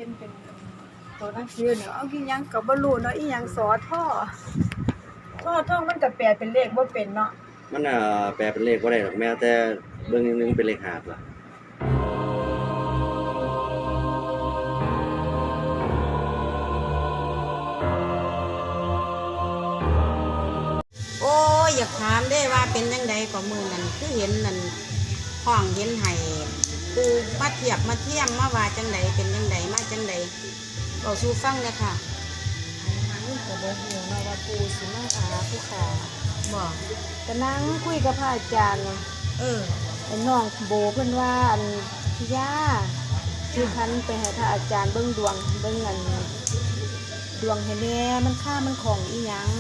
นเป็นตัวหนังสือเนาะเอาอีหยังก็บ่รู้เนาะอีหยังสอท่อท่องมันก็แปลเป็นเลขบ่เป็นเนาะมันแปลเป็นเลขบ่ได้หรอกแม้แต่เบิ่งนึงเป็นเลข5ล่ะโอ้ยอยากถามได้ว่าเป็นจังไดก็มื้อนั้นคือเห็นนั่นห้องเห็นให้ปูมาเทียบมาเทียมมาว่าจังไดเป็นจังไดมาจังไดเว้าสู่ฟังเลยค่ะก็บ่ฮู้เนาะว่าปู่สิมาหาผู้ขาบ่ก็นั่งคุยกับพระอาจารย์ไอ้น้องโบเพิ่นว่าอันพี่ย่าคือคันไปให้พระอาจารย์เบิ่งดวงเบิ่งอันดวงให้แน่มันค่ามันของอีหยัง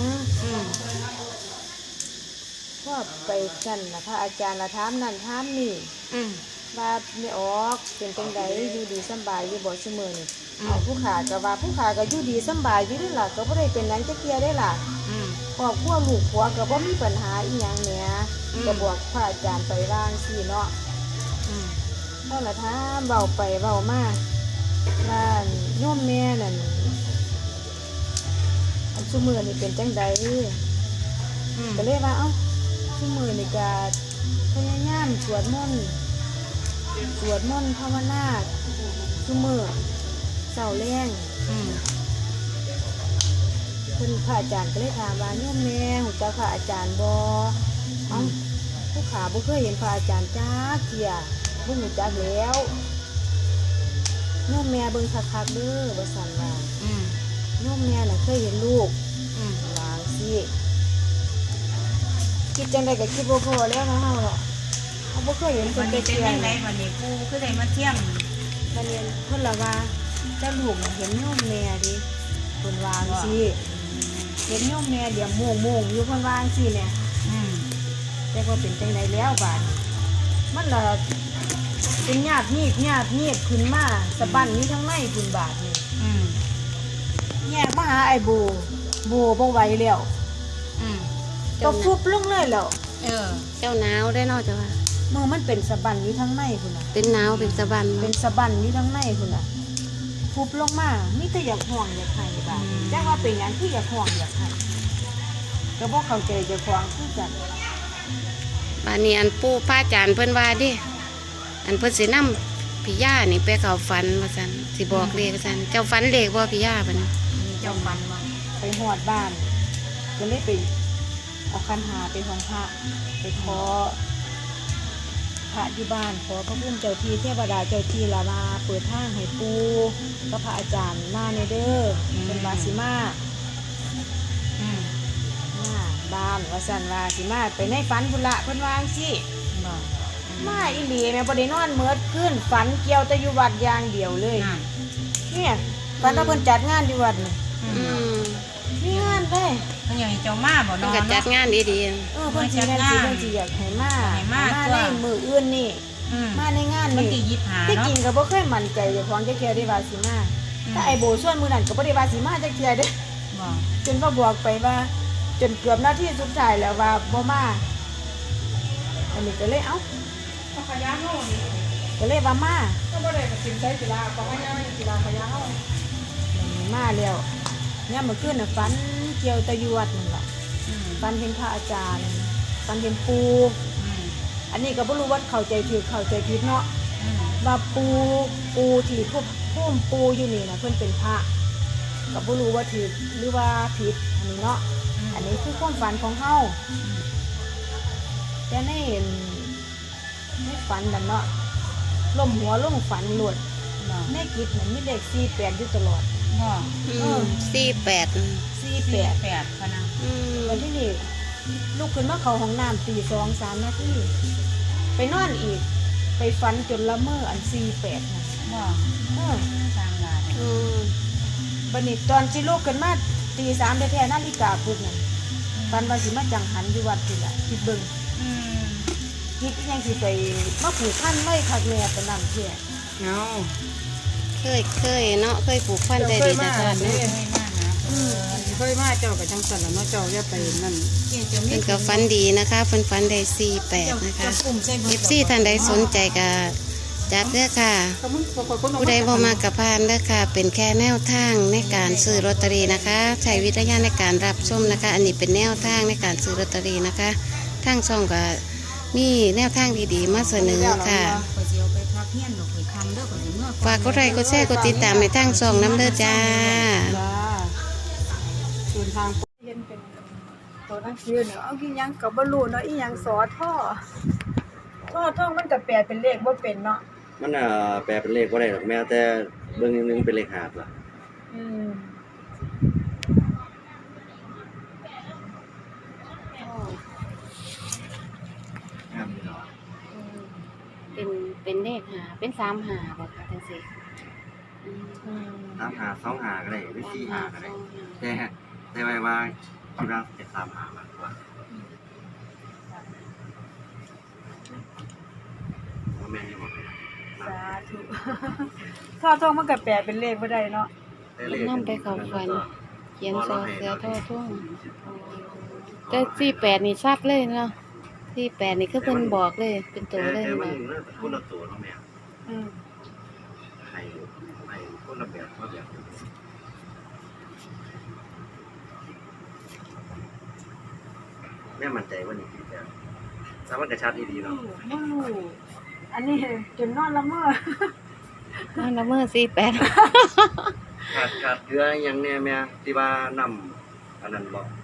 ก็ไปกันล่ะพระอาจารย์ละถามนั่นถามนี่ว่าไม่ออกเป็นจังไดอยู่ดีสำบายอยู่บ่ซุมื้อนี่เอาผู้ขาก็ว่าผู้ขาก็อยู่ดีสำบายอยู่นี่ล่ะก็บ่ได้เป็นหยังจักเที่ยได้ล่ะครอบครัวลูกผัวก็บ่มีปัญหาอีหยังแหมก็บอกพระอาจารย์ไปว่างซี่เนาะเฮาละถามเว้าไปเว้ามาว่าโยมแม่นั่นอันซุมื้อนี่เป็นจังไดก็เลยว่าเอ้าซุมื้อนี่ก็พยายามสวดมนต์ภาวนาซุมื้อเช้าแลงเพิ่นพระอาจารย์ก็เลยถามว่าโยมแม่ฮู้จักพระอาจารย์บ่เอ้าผู้ขาบ่เคยเห็นพระอาจารย์จักเที่ยบ่ฮู้จักแล้วโยมแม่เบิ่งคักๆเด้อว่าซั่นว่าโยมแม่น่ะเคยเห็นลูกว่าซี่คิดจังได๋ก็คิดบ่พอแล้วนะเฮาเนาะเฮาบ่เคยเห็นเพิ่นจักเที่ยวันนี้ปู่คือได้มาเที่ยมบัดนี้เพิ่นละว่าแต่ลูกเห็นโยมแม่ดิเพิ่นว่าซี่เห็นโยมแม่เดี๋ยวโมงอยู่เพิ่นว่าซี่แหละแต่ว่าเป็นจังได๋แล้วบาดมันละเป็นญาติงีบขึ้นมาสะบั้นนี้ทั้งในพุ่นบาดนี่แยกมาหาไอ้โบบ่ไหวแล้วก็ฟุบลงเลยแล้วเจ้าหนาวได้เนาะจ้ะว่ามือมันเป็นสะบั้นอยู่ทั้งในพุ่นน่ะเป็นหนาวเป็นสะบั้นเป็นสะบั้นอยู่ทั้งในพุ่นน่ะฟุบลงมามีแต่อยากห่วงอยากให้บาดจังว่าเป็นหยังคืออยากห่วงอยากให้ก็บ่เข้าใจเจ้าของคือกันบาดนี้อันปู่พระอาจารย์เพิ่นว่าดิอันเพิ่นสินำพี่ย่านี่ไปเข้าฝันว่าซั่นสิบอกเลขว่าซั่นเจ้าฝันเลขบ่พี่ย่าบัดนี้เจ้าฝันว่าไปฮอดบ้านก็เลยไปเอาคันหาไปของพระไปขอพระอยู่บ้านขอพระพุ่มเจ้าที่เทวดาเจ้าที่ละมาเปิดทางให้ปู่กับพระอาจารย์มาในเด้อเป็นวาสิมาบ้านว่าซั่นว่าสิมาไปในฝันพุ่นละเพิ่นว่าจังซี่มาอีหลีแม่บ่ได้นอนเมิดขึ้นฝันเกี่ยวแต่อยู่วัดอย่างเดียวเลยเนี่ยฝันว่าเพิ่นจัดงานอยู่วัดนี่มีงานเด้เพิ่นอยากให้เจ้ามาบ่เนาะเพิ่นจัดงานดีๆเพิ่นสิจัดงานเพิ่นสิอยากให้มาในมื้ออื่นนี่มาในงานนี่ที่จริงก็บ่เคยมั่นใจเจ้าของจักเที่ยได้ว่าสิมาถ้าไอ้โบส่วนมื้อนั้นก็บ่ได้ว่าสิมาจักเที่ยเด้จนว่าบอกไปว่าจนเกือบนาทีสุดท้ายแล้วว่าบ่มาอันนี้ก็เลยเอ้าขยะเฮานี่ก็เลยว่ามาก็บ่ได้ก็สินใจศิลาของอันนี้ศิลาขยะเฮามาแล้วเนี่ยเมื่อคืนน่ะฝันเกี่ยวตะยวดนั่นล่ะฝันเห็นพระอาจารย์ฝันเห็นปู่อันนี้ก็บ่รู้ว่าเข้าใจถูกเข้าใจผิดเนาะว่าปู่ที่พุ่มปู่อยู่นี่น่ะเพิ่นเป็นพระก็บ่รู้ว่าถูกหรือว่าผิดอันนี้เนาะอันนี้คือความฝันของเฮาแต่ในฝันนั่นเนาะล้มหัวลงฝันหลุดในกิจมันมีเลข48อยู่ตลอด 48 พะนะวันที่นี่ลูกขึ้นมาเข้าห้องน้ำตี 2-3 นาทีไปนอนอีกไปฝันจนละเมออัน48น่ะทางลาบัดนี้ตอนสิลูกขึ้นมาตี 3แท้ๆนาฬิกาปลุกนั่นฝันว่าสิมาจังหันอยู่วัดนี่ล่ะคิดเบิ่งคิดยังสิไปมาผูกพันไว้คักแน่ปานนั้นแท้เคยเนาะเคยผูกพันใจดีแต่ก่อนเนาะเคยมาเจ้ากับจังสันแล้วเนาะเจ้าอย่าไปนั่นเป็นกับฟันดีนะคะฟันได้48นะคะFCท่านใดสนใจก็จัดเด้อค่ะก็มึงขอบคุณผู้ใดบ่มากกับพานเด้อค่ะ เป็นแค่แนวทางในการซื้อลอตเตอรี่นะคะใช้วิจารณญาณในการรับชมนะคะ อันนี้เป็นแนวทางในการซื้อลอตเตอรี่นะคะทางช่องก็มีแนวทางดีๆมาเสนอค่ะฝากกดไลค์กดแชร์กดติดตามในทางช่องน้ำเด้อจ้าจ้าส่วนทางเห็นเป็นตัวหนังสือเนาะเอากินหยังก็บ่รู้เนาะอีหยังสอท่อท่อมันก็แปลเป็นเลขบ่เป็นเนาะมันแปลเป็นเลขบ่ได้หรอกแม้แต่เบิ่งนึงเป็นเลขหาบล่ะอืมเป็นเลขหาเป็น3 หาบ่ค่ะจังซี่ 3 หา 2 หาก็ได้หรือ4 หาก็ได้แต่ไว้ว่าคิดว่าจะ3 หามากกว่าบ่แม่นอยู่บ่สาธุท่อมันก็แปลเป็นเลขบ่ได้เนาะนำไปเข้าฝันเขียนซอเสือท่อทุ่งแต่48นี่ชัดเลยเนาะ48นี่คือเพิ่นบอกเลยเป็นตัวเลยแต่มันเนาะคนละตัวเนาะแม่อืมให้คนละแบบมาแบบแม่มั่นใจว่านี่คือแบบถ้ามันกระชัดดีๆเนาะบ่รู้อันนี้จนนอนละเมอนั่นละเมื่อ48 ขาดเกลืออย่างแน่แม่ที่ว่านำอันนั้นบอก